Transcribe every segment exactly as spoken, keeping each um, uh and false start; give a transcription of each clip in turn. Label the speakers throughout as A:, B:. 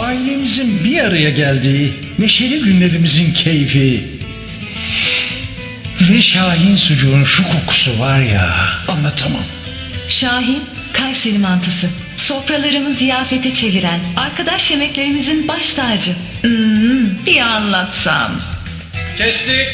A: ailemizin bir araya geldiği neşeli günlerimizin keyfi ve Şahin sucuğun şu kokusu var ya, anlatamam.
B: Şahin, Kayseri mantısı. Sofralarımı ziyafete çeviren, arkadaş yemeklerimizin baş tacı. Hmm, bir anlatsam.
C: Kestik.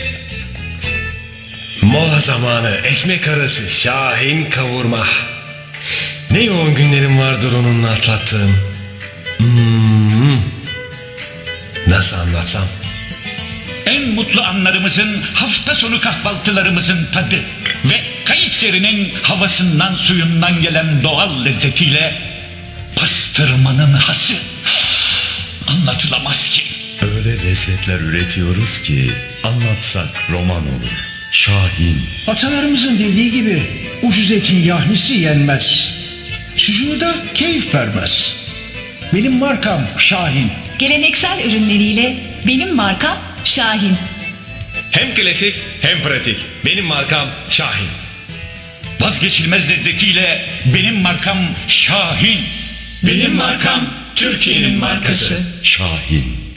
C: Mola zamanı ekmek arası Şahin kavurma. Ne yoğun günlerim vardır onunla atlattığım. Hmm. Nasıl anlatsam?
D: En mutlu anlarımızın, hafta sonu kahvaltılarımızın tadı ve Kayseri'nin havasından suyundan gelen doğal lezzetiyle pastırmanın hası anlatılamaz ki.
E: Öyle lezzetler üretiyoruz ki anlatsak roman olur. Şahin.
A: Atalarımızın dediği gibi ucuz etin yahnisi yenmez. Sucuğu da keyif vermez. Benim markam Şahin.
B: Geleneksel ürünleriyle benim markam Şahin.
C: Hem klasik hem pratik. Benim markam Şahin.
D: Vazgeçilmez lezzetiyle benim markam Şahin. Benim markam Türkiye'nin markası.
E: Şahin.